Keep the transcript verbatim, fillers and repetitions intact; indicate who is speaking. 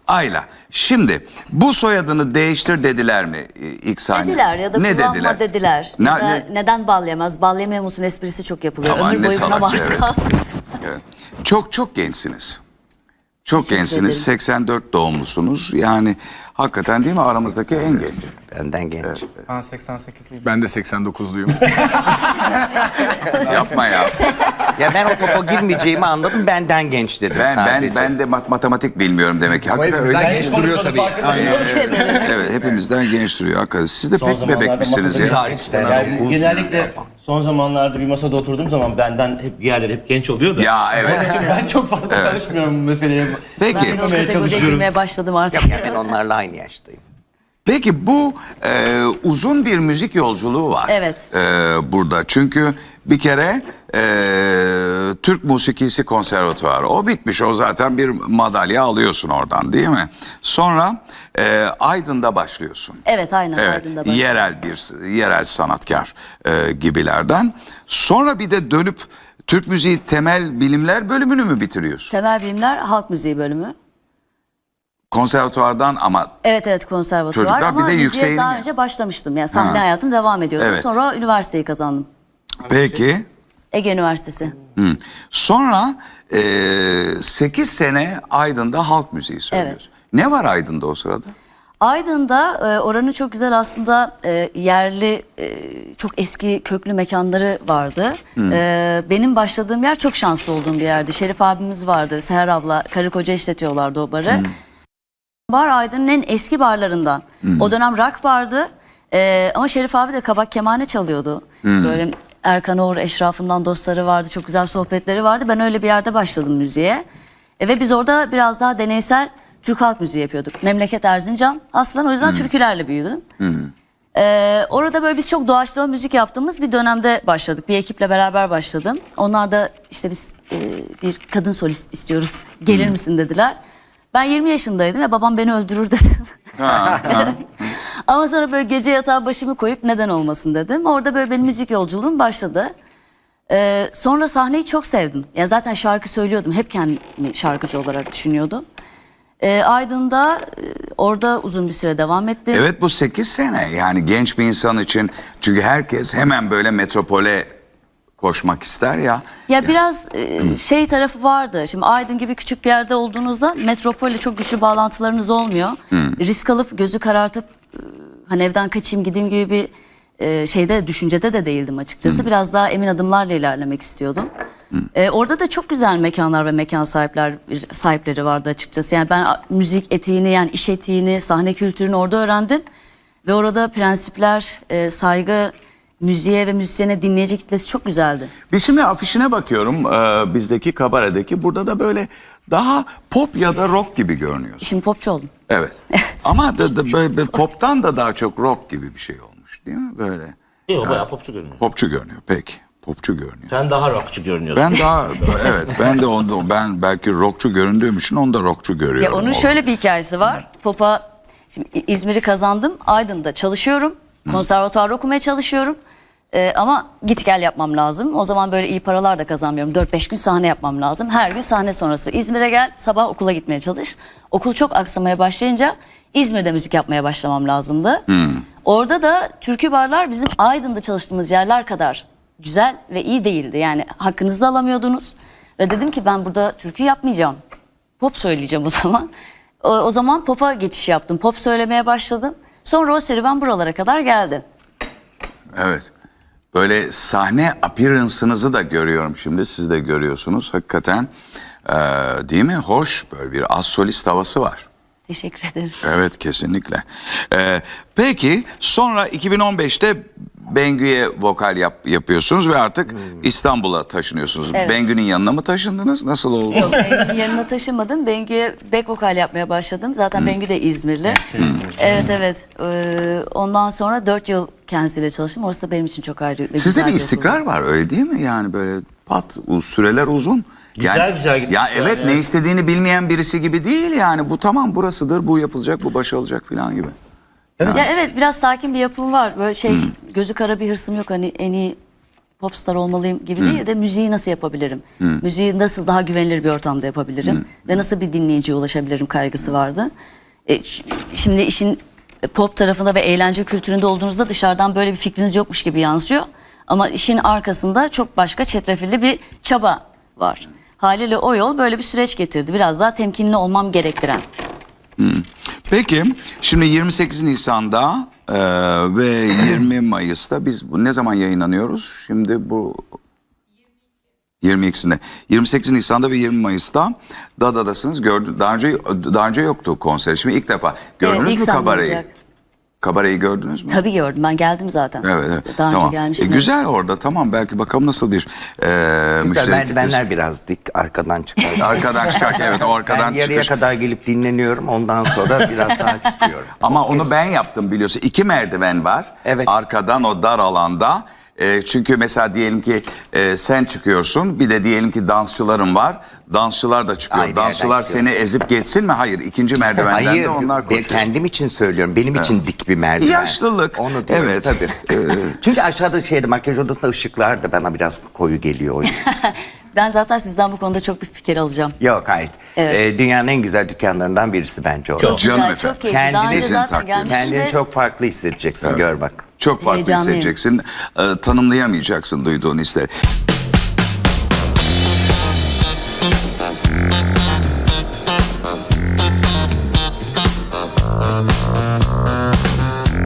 Speaker 1: Ayla. Şimdi bu soyadını değiştir dediler mi ilk sahne?
Speaker 2: Dediler ya da
Speaker 1: ne
Speaker 2: kullanma
Speaker 1: dediler?
Speaker 2: dediler.
Speaker 1: Ne,
Speaker 2: Ya da
Speaker 1: ne?
Speaker 2: Neden bal yemez? Bal yemiyor musun esprisi çok yapılıyor.
Speaker 1: Aman
Speaker 2: Ömür
Speaker 1: ne
Speaker 2: boyu buna
Speaker 1: salakça,
Speaker 2: maruz
Speaker 1: evet.
Speaker 2: kaldım.
Speaker 1: Evet. Çok çok gençsiniz. Çok
Speaker 2: Teşekkür
Speaker 1: gençsiniz.
Speaker 2: ederim.
Speaker 1: seksen dört doğumlusunuz. Yani hakikaten değil mi aramızdaki en genç.
Speaker 3: Benden genç.
Speaker 4: Ben seksen sekizliyim.
Speaker 5: Ben de seksen dokuzluyum.
Speaker 1: Yapma ya.
Speaker 3: Ya ben o topa girmeyeceğimi anladım. Benden genç dedim
Speaker 1: Ben
Speaker 3: sadece.
Speaker 1: ben ben de mat- matematik bilmiyorum demek ki.
Speaker 5: Ama
Speaker 1: Hakikaten
Speaker 5: hepimizden
Speaker 1: öyle.
Speaker 5: genç duruyor tabii.
Speaker 1: Evet, hepimizden genç duruyor hakikaten. Siz de
Speaker 6: Son
Speaker 1: pek
Speaker 6: zamanlarda
Speaker 1: bebekmişsiniz
Speaker 6: masada-
Speaker 5: Biz
Speaker 1: ya.
Speaker 5: hariç işte.
Speaker 6: Yani genellikle son zamanlarda bir masada oturduğum zaman benden hep diğerleri hep genç oluyor da.
Speaker 1: Ya evet.
Speaker 6: Çünkü ben çok fazla karışmıyorum bu meseleye.
Speaker 1: Peki.
Speaker 2: Ben de o
Speaker 6: Bilmemeye
Speaker 2: kategoriye
Speaker 6: çalışıyorum.
Speaker 2: girmeye başladım artık.
Speaker 3: Ya ben onlarla aynı yaştayım.
Speaker 1: Peki bu e, uzun bir müzik yolculuğu var.
Speaker 2: Evet.
Speaker 1: E, burada çünkü bir kere e, Türk Musikisi Konservatuvarı o bitmiş. O zaten bir madalya alıyorsun oradan değil mi? Sonra e, Aydın'da başlıyorsun.
Speaker 2: Evet aynen
Speaker 1: Evet,
Speaker 2: Aydın'da başladım.
Speaker 1: yerel bir yerel sanatkar e, gibilerden. Sonra bir de dönüp Türk Müziği Temel Bilimler bölümünü mü bitiriyorsun?
Speaker 2: Temel Bilimler Halk Müziği bölümü.
Speaker 1: Konservatuvardan ama
Speaker 2: Evet evet konservatuvar
Speaker 1: Çocuklar, bir
Speaker 2: ama
Speaker 1: de
Speaker 2: müziğe
Speaker 1: yükseğini
Speaker 2: daha
Speaker 1: mi?
Speaker 2: önce başlamıştım. Yani sahne
Speaker 1: Ha.
Speaker 2: hayatım devam ediyordu.
Speaker 1: Evet.
Speaker 2: Sonra üniversiteyi kazandım.
Speaker 1: peki.
Speaker 2: Ege Üniversitesi.
Speaker 1: Hı. Sonra e, sekiz sene Aydın'da halk müziği söylüyorsun. Ne var Aydın'da o sırada?
Speaker 2: Aydın'da e, oranın çok güzel aslında e, yerli e, çok eski köklü mekanları vardı. E, benim başladığım yer çok şanslı olduğum bir yerdi. Şerif abimiz vardı, Seher abla, karı koca işletiyorlardı o barı. Bar Aydın'ın en eski barlarından. O dönem rock bardı e, ama Şerif abi de kabak kemane çalıyordu. Böyle Erkan Oğur eşrafından dostları vardı, çok güzel sohbetleri vardı. Ben öyle bir yerde başladım müziğe. E, ve biz orada biraz daha deneysel Türk halk müziği yapıyorduk. Memleket Erzincan. Aslında o yüzden türkülerle büyüdüm. Ee, orada böyle biz çok doğaçlama müzik yaptığımız bir dönemde başladık. Bir ekiple beraber başladım. Onlar da işte biz e, bir kadın solist istiyoruz. Gelir misin dediler. Ben yirmi yaşındaydım ve babam beni öldürür dedi. Ama sonra böyle gece yatağa başımı koyup neden olmasın dedim. Orada böyle benim müzik yolculuğum başladı. Ee, sonra sahneyi çok sevdim. Yani zaten şarkı söylüyordum. Hep kendimi şarkıcı olarak düşünüyordum. Ee, Aydın'da e, orada uzun bir süre devam ettim.
Speaker 1: Evet bu sekiz sene yani genç bir insan için çünkü herkes hemen böyle metropole koşmak ister ya.
Speaker 2: Ya biraz e, şey tarafı vardı. Şimdi Aydın gibi küçük bir yerde olduğunuzda metropolle çok güçlü bağlantılarınız olmuyor. Risk alıp gözü karartıp e, hani evden kaçayım gideyim gibi bir e, şeyde düşüncede de değildim açıkçası. Biraz daha emin adımlarla ilerlemek istiyordum. E, orada da çok güzel mekanlar ve mekan sahipler sahipleri vardı açıkçası. Yani ben a- müzik etiğini yani iş etiğini, sahne kültürünü orada öğrendim. Ve orada prensipler, e, saygı, müziğe ve müzisyene dinleyici kitlesi çok güzeldi.
Speaker 1: Biz şimdi afişine bakıyorum e, bizdeki kabaredeki burada da böyle daha pop ya da rock gibi görünüyorsun.
Speaker 2: Şimdi popçu oldum.
Speaker 1: Evet. Ama da, da böyle, böyle poptan da daha çok rock gibi bir şey olmuş değil mi böyle?
Speaker 6: Yok bayağı popçu görünüyor.
Speaker 1: Popçu görünüyor peki. Popçu görünüyor.
Speaker 6: Sen daha rockçu görünüyorsun.
Speaker 1: Ben daha evet ben de onda ben belki rockçu göründüğüm için onu da rockçu görüyorum.
Speaker 2: Ya onun
Speaker 1: O-
Speaker 2: şöyle bir hikayesi var. Pop'a şimdi İ- İzmir'i kazandım. Aydın'da çalışıyorum. Konservatuvar okumaya çalışıyorum. Ee, ama git gel yapmam lazım. O zaman böyle iyi paralar da kazanmıyorum. dört beş gün sahne yapmam lazım. Her gün sahne sonrası İzmir'e gel, sabah okula gitmeye çalış. Okul çok aksamaya başlayınca İzmir'de müzik yapmaya başlamam lazımdı. Orada da türkü barlar bizim Aydın'da çalıştığımız yerler kadar güzel ve iyi değildi. Yani hakkınızı da alamıyordunuz. Ve dedim ki ben burada türkü yapmayacağım. Pop söyleyeceğim o zaman. O, o zaman pop'a geçiş yaptım. Pop söylemeye başladım. Sonra o serüven buralara kadar geldi.
Speaker 1: Evet. Böyle sahne appearance'ınızı da görüyorum şimdi. Siz de görüyorsunuz. Hakikaten e, değil mi? Hoş böyle bir az solist havası var.
Speaker 2: Teşekkür ederim.
Speaker 1: Evet kesinlikle. E, peki sonra iki bin on beşte Bengü'ye vokal yap, yapıyorsunuz ve artık İstanbul'a taşınıyorsunuz.
Speaker 2: Evet.
Speaker 1: Bengü'nün yanına mı taşındınız? Nasıl oldu?
Speaker 2: Yok Bengü'nün yanına taşımadım. Bengü'ye back vokal yapmaya başladım. Zaten Bengü de İzmirli. Evet evet. Ee, ondan sonra dört yıl kendisiyle çalıştım. Orası da benim için çok ayrı. ve
Speaker 1: Sizde
Speaker 2: güzel
Speaker 1: bir
Speaker 2: okul.
Speaker 1: istikrar var öyle değil mi? Yani böyle pat u- süreler uzun.
Speaker 6: Güzel
Speaker 1: yani,
Speaker 6: güzel gitmiş
Speaker 1: Ya
Speaker 6: yani,
Speaker 1: evet ne
Speaker 6: evet.
Speaker 1: istediğini bilmeyen birisi gibi değil yani. Bu tamam burasıdır, bu yapılacak, bu başarılacak falan gibi.
Speaker 2: Ya evet biraz sakin bir yapım var. Böyle şey gözü kara bir hırsım yok. Hani en iyi popstar olmalıyım gibi değil de müziği nasıl yapabilirim? Müziği nasıl daha güvenilir bir ortamda yapabilirim? Ve nasıl bir dinleyiciye ulaşabilirim kaygısı vardı. E, ş- şimdi işin pop tarafında ve eğlence kültüründe olduğunuzda dışarıdan böyle bir fikriniz yokmuş gibi yansıyor. Ama işin arkasında çok başka çetrefilli bir çaba var. Haliyle o yol böyle bir süreç getirdi. Biraz daha temkinli olmam gerektiren.
Speaker 1: Peki şimdi yirmi sekiz Nisan'da e, ve yirmi Mayıs'ta biz bu ne zaman yayınlanıyoruz? Şimdi bu yirmi ikisinde. yirmi sekiz Nisan'da ve yirmi Mayıs'ta Dada'dasınız. Gördü, daha önce daha önce yoktu konser. Şimdi ilk defa. Gördünüz
Speaker 2: Evet, ilk
Speaker 1: mü
Speaker 2: sahne
Speaker 1: kabareyi?
Speaker 2: olacak.
Speaker 1: Kabareyi gördünüz mü?
Speaker 2: Tabii gördüm. Ben geldim zaten.
Speaker 1: Evet, evet.
Speaker 2: Daha
Speaker 1: tamam.
Speaker 2: önce gelmiştim.
Speaker 1: E, güzel orada, tamam, belki bakalım nasıl bir e,
Speaker 3: Güzel,
Speaker 1: müşteri
Speaker 3: merdivenler
Speaker 1: kitlesi.
Speaker 3: biraz dik arkadan çıkar.
Speaker 1: Arkadan çıkarken evet o arkadan
Speaker 3: Ben yarıya
Speaker 1: çıkış.
Speaker 3: kadar gelip dinleniyorum. Ondan sonra biraz daha çıkıyorum.
Speaker 1: Ama onu ben yaptım biliyorsun. İki merdiven var.
Speaker 3: Evet.
Speaker 1: Arkadan o dar alanda. E, çünkü mesela diyelim ki e, sen çıkıyorsun. Bir de diyelim ki dansçıların var. Dansçılar da çıkıyor.
Speaker 3: Aynı
Speaker 1: Dansçılar
Speaker 3: yerden çıkıyor.
Speaker 1: seni ezip geçsin mi? Hayır. İkinci merdivenden
Speaker 3: Hayır,
Speaker 1: de onlar
Speaker 3: ben
Speaker 1: koşuyor.
Speaker 3: kendim için söylüyorum. Benim için dik bir merdiven.
Speaker 1: Yaşlılık.
Speaker 3: Onu diyorum,
Speaker 1: Evet.
Speaker 3: tabii. Çünkü aşağıda şeyde makyaj odasında ışıklar da bana biraz koyu geliyor o yüzden.
Speaker 2: Ben zaten sizden bu konuda çok bir fikir alacağım.
Speaker 3: Yok hayır.
Speaker 2: Evet.
Speaker 3: Ee, dünyanın en güzel dükkanlarından birisi bence o.
Speaker 6: Çok.
Speaker 1: Canım
Speaker 2: Güzel,
Speaker 1: efendim.
Speaker 2: çok keyifli. Daha önce
Speaker 3: Kendinizi
Speaker 2: zaten
Speaker 1: takdir ederim.
Speaker 2: gelmiştim
Speaker 3: Kendini
Speaker 2: ve
Speaker 3: çok farklı hissedeceksin, gör bak.
Speaker 1: Çok farklı
Speaker 2: Heyecanlıyım.
Speaker 1: hissedeceksin. E, tanımlayamayacaksın duyduğun hisleri.